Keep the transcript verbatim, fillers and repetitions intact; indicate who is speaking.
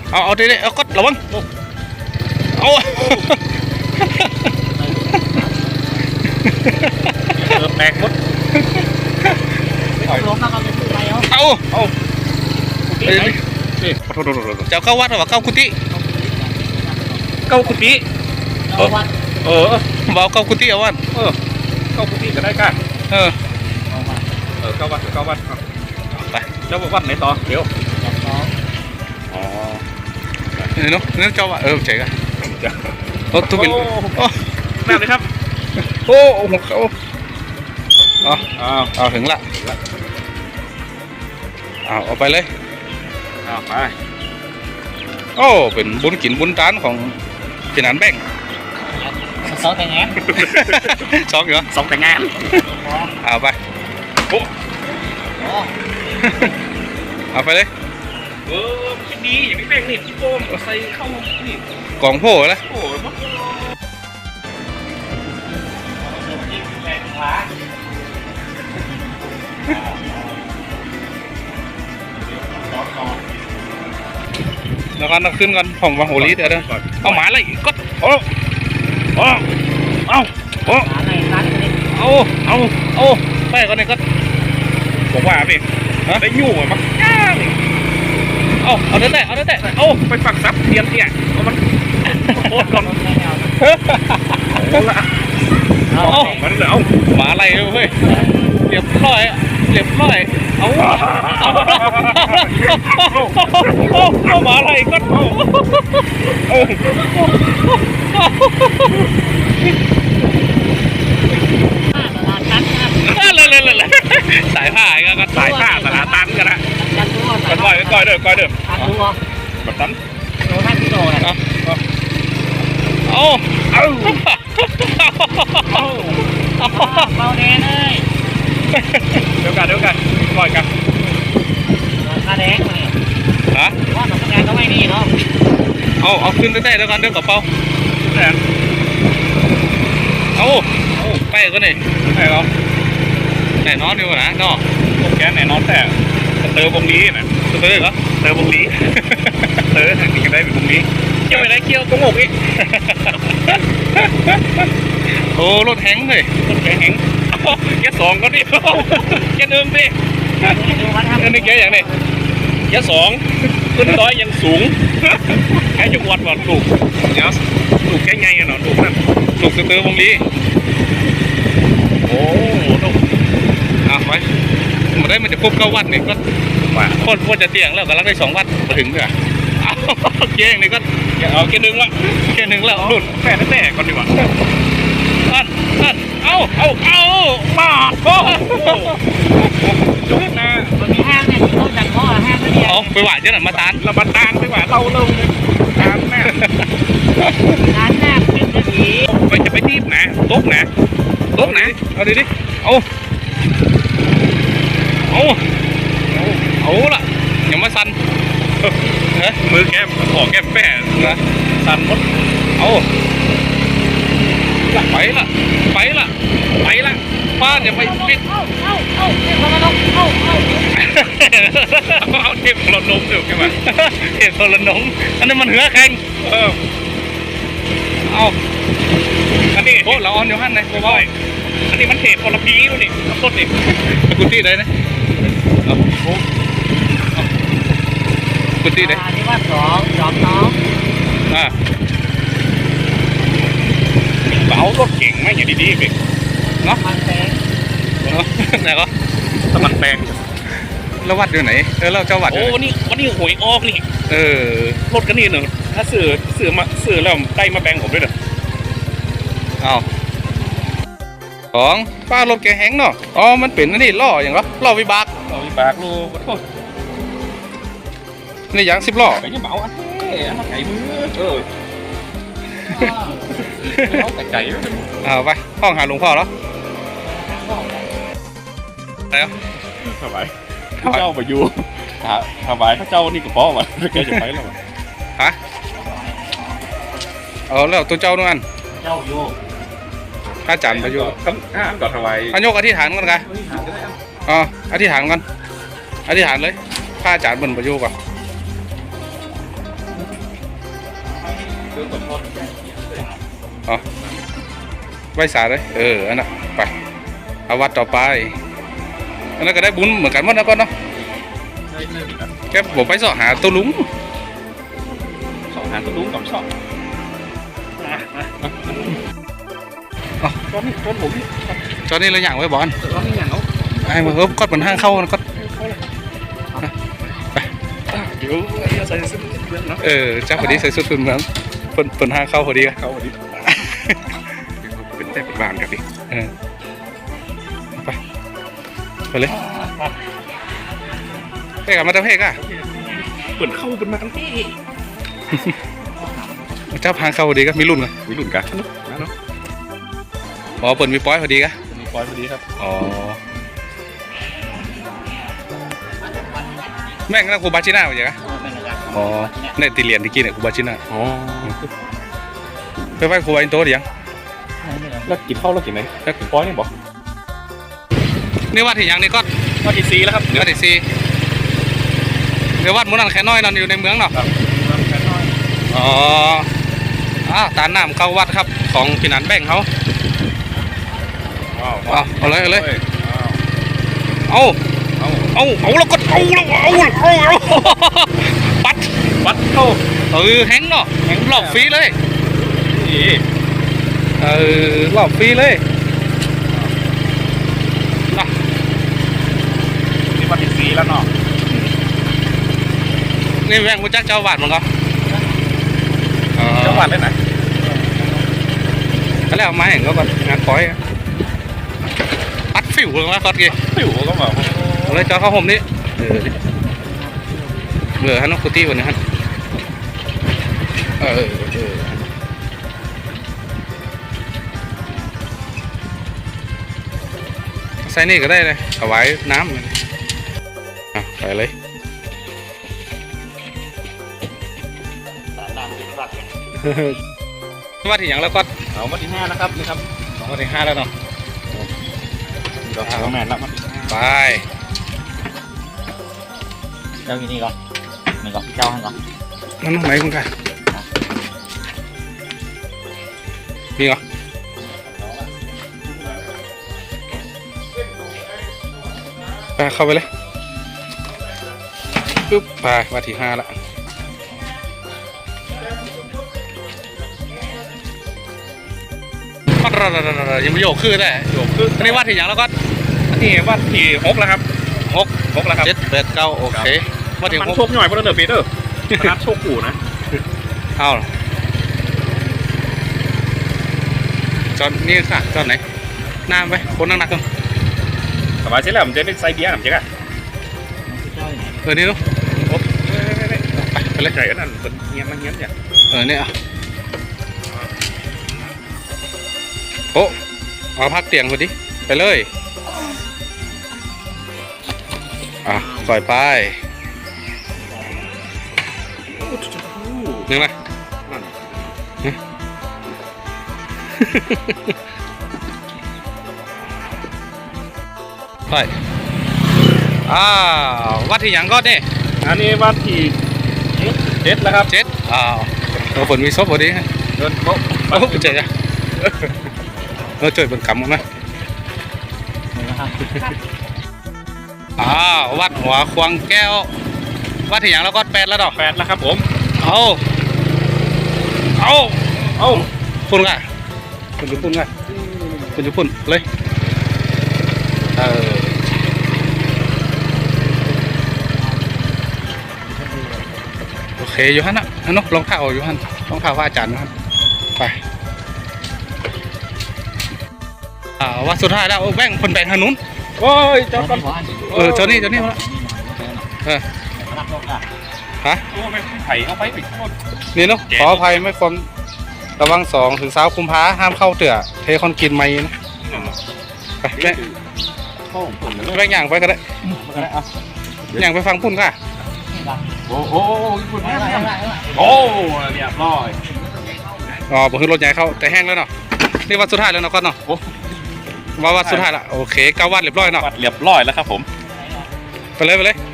Speaker 1: เอาเอาดิเอาก็ระวังเอา
Speaker 2: เออแปลกหมด
Speaker 3: ล้มแล้วก็ไปซื้อไปเอา
Speaker 1: เอา
Speaker 2: เอา
Speaker 1: เจ้าเข้าวัดหรือว่าเข้ากุฏิ
Speaker 2: เก้ากุฏิ
Speaker 3: เอาวัด
Speaker 2: เออ
Speaker 1: บอกเข้ากุฏิเอาวัด
Speaker 2: เออเก้ากุฏิก็ได้กัน
Speaker 1: เออ
Speaker 2: เออเก้าวัดเก้าวัด
Speaker 1: ไป
Speaker 2: เจ้าวัดไหนต่อเดี๋ยวอ๋อ
Speaker 1: นี่เนาะนี่เจ้าวัดเออเจ๋งอ่ะโอ้ตุ้งเป็นโอ้
Speaker 2: แม่เลยครับ
Speaker 1: โอ้โหเขาเอา
Speaker 2: เอา
Speaker 1: เอาถึงละเอาเอาไปเลย
Speaker 2: เอาไป
Speaker 1: โอ้เป็นบุญกินบุญทานของเป็นอันแบ่ง
Speaker 3: สองแต่งงาน
Speaker 1: สองเหรอ
Speaker 2: สองแต่งงาน
Speaker 1: เอาไปโอ้เอาไปเลย
Speaker 2: เออมันดีอย่างนี้แบ่งนี่พี่โป้มใส่เข้านี่
Speaker 1: กล่องโพ่แล้ว
Speaker 2: โอ้ยมัน
Speaker 1: แล้วก็นักขึ้นกันของวังโหรีเดี๋ยวเดี๋ยวเอาหมาเลยก็โอ้โอ้เอาโอ้เอาเอาเอาไปก่อนเลยก็
Speaker 2: บอกว่าพี่ได้ยู่อ่ะมั้ง
Speaker 1: เอาเอาเด้อแต่เอาเด้อแต่
Speaker 2: เอาไปฝักซับเทียนเนี่ยเอามันโคตรก่อนเอาละเอามันเลยเอา
Speaker 1: หมาอะไรเว้ยเรียบร้อยเรียบร้อยเอาเอาเอาหมาอะไรก็เอาเลยเลยเลยสายผ้าก็
Speaker 2: สายผ้าสาตันกันนะกันก่อยก่อยเด้อก่อยเด้อแบบตัน
Speaker 3: โดนท่านที่โดนอ่ะ
Speaker 1: เอาเอา
Speaker 3: เบาแน่เลย
Speaker 2: เดี๋ยวกันเดี๋ยวกันก่อยกัน
Speaker 3: ตาแดงเลย
Speaker 1: ฮะ
Speaker 3: ว่าสำนักงานก็ไม่นี่เนาะ
Speaker 1: เอาเอาขึ้นได้เดี๋ยวกันเดี๋ยวกระเป๋า
Speaker 2: แน่
Speaker 1: เอาเอาไปก็นี่
Speaker 2: ไปเหรอ
Speaker 1: แน่นอนอยู่นะเนาะ
Speaker 2: พวกแกแน่นอนแต่เติมวงนี้นะ
Speaker 1: เติมเหรอ
Speaker 2: เติมวงนี้เติมทางนี้ก็ได้เป็นวงนี้เกี่ยวอะไรเกี่ยวตรงอกอีก
Speaker 1: โอ้รถแห้งเลย
Speaker 2: รถแห้งแกสองก็ดิแกหนึ่งดิอันนี้แกอย่างนี้แกสองขึ้นร้อยยังสูงแกจะวัดวัดถูกเดี๋ยวถูกแกไงกันเนาะถูกนั่น
Speaker 1: ถูกเติมวงนี้
Speaker 2: โอ้ถูก
Speaker 1: อ่ะไปมาได้มันจะพบเก้าวัดนี่ก็ว่าโคตรโคตรจะเตียงแล้วกำลังได้สองวัดมาถึงเลยเกี้ยงนี่ก็
Speaker 2: เอาเกี้ยนึงละ
Speaker 1: เกี้ยนึงแล้ว
Speaker 2: หลุดแฝงแฝงก่อนดีกว่า
Speaker 1: ท่านท่านเอาเอาเอา
Speaker 2: มาโอ้จุกนะ
Speaker 3: มันมีห้างเนี่ยต้องดังพ่อห้างก็เดียว
Speaker 1: เอาไปหวานเจ้าหน่ะมาตาน
Speaker 2: เรามาตานไปหวานเราเราตานแม่
Speaker 3: ร้านแรกเป็นจะผี
Speaker 2: ไปจะไปทีบนะตุ๊กนะตุ๊กนะ
Speaker 1: เอาดิดิเอาเอาเอาละยังมาสั่น
Speaker 2: มือแก้มขอแก้มแป้
Speaker 1: นะ
Speaker 2: สั่นหมด
Speaker 1: เอาไปละไปละไปละป้าอย่าไปปิด
Speaker 3: เอาเอาเอาเทพระนมเอาเอา
Speaker 2: เอาเทพระนมเดี๋ยวแกมา
Speaker 1: เทพระนมอันนี้มันเหือแข็ง
Speaker 2: เออ
Speaker 1: เอา
Speaker 2: อันนี้
Speaker 1: โอ้เราออนอยู่หันไหนโอ้ย
Speaker 2: อันนี้มันเทพพลพีนู่นนี่น้ำต้นนี่
Speaker 1: กุฏิไหนนะเอาโอ้กุฏิไหน
Speaker 3: อันนี้ว่าสองสองน้อง
Speaker 1: อ่า
Speaker 2: เอารถเก่งไหมอย่างดีๆไป
Speaker 1: เนาะ
Speaker 3: มันแพง
Speaker 1: ไหนก็
Speaker 2: สมันแพง
Speaker 1: แล้ววัดอยู่ไหนเออเราเจ้าวัด
Speaker 2: โอ้วันนี้วันนี้หวยออกนี่
Speaker 1: เออ
Speaker 2: รถกันนี่หนึ่งถ้าสื่อสื่อมาสื่อแล้วได้มาแบ่งผมด้วยเด้อ
Speaker 1: เอาสองป้ารถแกแห้งเนาะอ๋อมันเป็นนี่ล่ออย่างเหรอล่อวิบาก
Speaker 2: ล่อวิบากลูก
Speaker 1: นี่อย่างสิบล้อ
Speaker 2: ไก่ยังเบาอ่ะเฮ้ยมาไก่มือเออเอาไก่ไก่
Speaker 1: เอาไปห้องหาหลวงพ่อแล้วแล้ว
Speaker 2: สบายเจ้าไปอยู่สบายถ้าเจ้านี่ก็ป้อวะแกจะไปแล้ว
Speaker 1: ฮะเออแล้วตัวเจ้าด้วยกัน
Speaker 3: เจ้าอยู่
Speaker 1: ถ้าจันไปอยู่
Speaker 2: อ่าก่อนทำไม
Speaker 1: อันยกอธิษฐานกันกันอ๋ออธิษฐานกันอธิษฐานเลยข้าจานบนประโยคก่อนอ๋อไหว้สาเลยเอออันนั้นไปเอาวัดต่อไปอันนั้นก็ได้บุญเหมือนกันหมดนะก่อนเนาะแกบอกไปสอหาตัวลุง
Speaker 2: สองหางตัวลุงกับช่องตอนนี้ตอนผม
Speaker 1: จอนี่เราอย่างไว้บอล
Speaker 2: ตอนนี้อย่างเขา
Speaker 1: ไอ้มาเฮ้ยก็เป็นห้างเข้านะก็
Speaker 2: เดี๋ยวใส่ซื้อเพื่อนเนาะ
Speaker 1: เออเจ้าพอดีใส่สุดเป็นเหมือนเป็นเป็นห้างเข้าพอดีกัน
Speaker 2: เขาวันนี้เป็นแต่เป็นบางกันดิ
Speaker 1: เออไปไปเลยเพ่กับมาตะเพ่กอะ
Speaker 2: เปิดเข้าเป็นมากันที่
Speaker 1: เจ้าพางเข้าพอดีก็มีรุ่นกัน
Speaker 2: วิรุ่นกันเนาะ
Speaker 1: อ๋อเปิดมีป้อยพอดีกะ
Speaker 2: มีปอยพอดีครับ
Speaker 1: อ๋อแม่งนั่นกูบาชิน่าไปจ้ะอ๋อเนี่ยตีเหรียญที่กินเนี่ยกูบาชิน่า
Speaker 2: อ๋อ
Speaker 1: ไปไหว้ครูไอินโตหรือยัง
Speaker 2: แล้วกินข้าวแล้วกินไหนแล้วกินปอยนี่บอก
Speaker 1: นี่วัดที่ยังนี่ก็
Speaker 2: ว่าที่ซีแล้วครับ
Speaker 1: วัดที่สี่เดี๋ยววัดมุนันแค่น้อยนอนอยู่ในเมืองเนาะอ๋ออ่าตาหน้าเข้าวัดครับของพี่นันแบ่งเขา
Speaker 2: ว้าว
Speaker 1: เอาเอาเลยเอาเลย
Speaker 2: เอา
Speaker 1: เอา
Speaker 2: เอา
Speaker 1: เอาเอาแล้วก็เอาแล้วเอาเอาเอาปัด
Speaker 2: วัดเข้า
Speaker 1: เออแฮงเนาะแฮงหลอกฟรีเลย
Speaker 2: นี่
Speaker 1: เออหลอกฟรีเลยนะ
Speaker 2: นี่ว่าที่ซีแล้วเนาะ
Speaker 1: นี่แม่งมุจักเจ้าบาทมั้งก็
Speaker 2: จังหวัดเลยไหน
Speaker 1: ก็แล้วมาเห็นก็แบบงานก้อยอะปัดฟิวเลยนะก็กี่
Speaker 2: ผิวก็แบบ
Speaker 1: เอาเลยจอเข้าห่มนี่เออเบื่อฮันนกุตี้วันนี้ฮันเออเออใส่นี่ก็ได้เลยเอาไว้น้ำอ่ะใส่เลยว่าที่อย่างแล้วก็
Speaker 2: เอามาที่ห้านะครับนี่ครับ
Speaker 1: ว่าที่ห้าแล้วเนาะ
Speaker 2: เราทำแมนแล้วมัน
Speaker 1: ไป
Speaker 3: เจ้าอยู่นี่ก่อนนี่ก่อนเจ้าให้ก่อน
Speaker 1: มันไหนคุณกันมีเหรอไปเข้าไปเลยปึ๊บไปมาที่ห้าละปัดระระระระยังไม่โยกคือได้
Speaker 2: โยกคือ
Speaker 1: อันนี้ว่าที่อย่างแล้วก็
Speaker 2: นี่ว่าที่หกแล้วครับ
Speaker 1: หก
Speaker 2: หกแล้วครับ
Speaker 1: เจ็ดแปดเก้าโอเคว่าที่
Speaker 2: มัน
Speaker 1: หก
Speaker 2: โชคหน่อยเพราะเนอร์ปีเตอร์นัดโชคขู่นะ
Speaker 1: เอาจอนนี่ค่ะจอนไหนน้ำไปคนนั่งนักกัน
Speaker 2: สบายใช่แล้วผมจะเป็นไซเบียร์ผมจะกัน
Speaker 3: เจ้าอยู่ไหน
Speaker 1: เออนี่ลูก
Speaker 2: โอ้ไป
Speaker 1: ไปเลย
Speaker 2: ใหญ่อันนั้นเป็นเงี้ยมันเงี้ยเนี่ย
Speaker 1: เออเนี่ยโอ้เอาพักเตียงพอดีไปเลยอ่ะปล่อยไปหนึ่งนะไปอ้าววัดที่หยังก็เนี่ย
Speaker 2: อันนี้ว่าที่เจ็ดแล้วครับ
Speaker 1: เจ็ดอ้าวเราฝนมีซบพอดีฮะ
Speaker 2: เดินโต๊ะ
Speaker 1: โอ้เจ๋งอะเราช่วยเป็นกำมั้งนะ
Speaker 3: นี่นะครับ
Speaker 1: อ้าววัดหัวควงแก้ววัดที่หยังแล้วก็แปดแล้วดอก
Speaker 2: แปดแล้วครับผม
Speaker 1: เอาเอา
Speaker 2: เอ้า
Speaker 1: ปุ่นก่ะคุณจะปุ่นก่ะคุณจะปุ่นเลยเออโอเคอยู่ฮันนะฮันนกลองเท้าอยู่ฮันลองเท้าพระอาจารย์นะครับไปอ่าวัดสุดท้ายแล้วแบ่งคนแบ่งทางนู้น
Speaker 2: โอ้ยเจ้ากัน
Speaker 1: เออเจ้านี่เจ้านี่มาละเออ
Speaker 3: รับรถอ่ะ
Speaker 1: ฮะ
Speaker 2: โอ้ไม่ไผ่เอาไปปิดโทษ
Speaker 1: นี่เนาะขออภัยไม่ความระวังสองถึงสาวคุมพาห้ามเข้าเตื่อเทคอนกรีตไม่นะไปแบ่ง
Speaker 2: เข้าผมผมเลย
Speaker 1: แบ่งอย่างไปก็ได้
Speaker 3: มาได้อ่ะ
Speaker 1: อย่างไปฟังพุ่นค่ะ
Speaker 2: โอ้โหคุณ
Speaker 3: ไม่ได้ไม่ได้ไม่ได้
Speaker 2: โอ้เรียบร้อย
Speaker 1: อ๋อผมคือรถใหญ่เข้าแต่แห้งแล้วเนาะนี่วัดสุดท้ายแล้วเนาะก็เนาะ
Speaker 2: โอ้
Speaker 1: ว่าวัดสุดท้ายละโอเคเก้าวัดเรียบร้อยเนาะ
Speaker 2: วัดเรียบร้อยแล้วครับผม
Speaker 1: ไปเลยไปเลย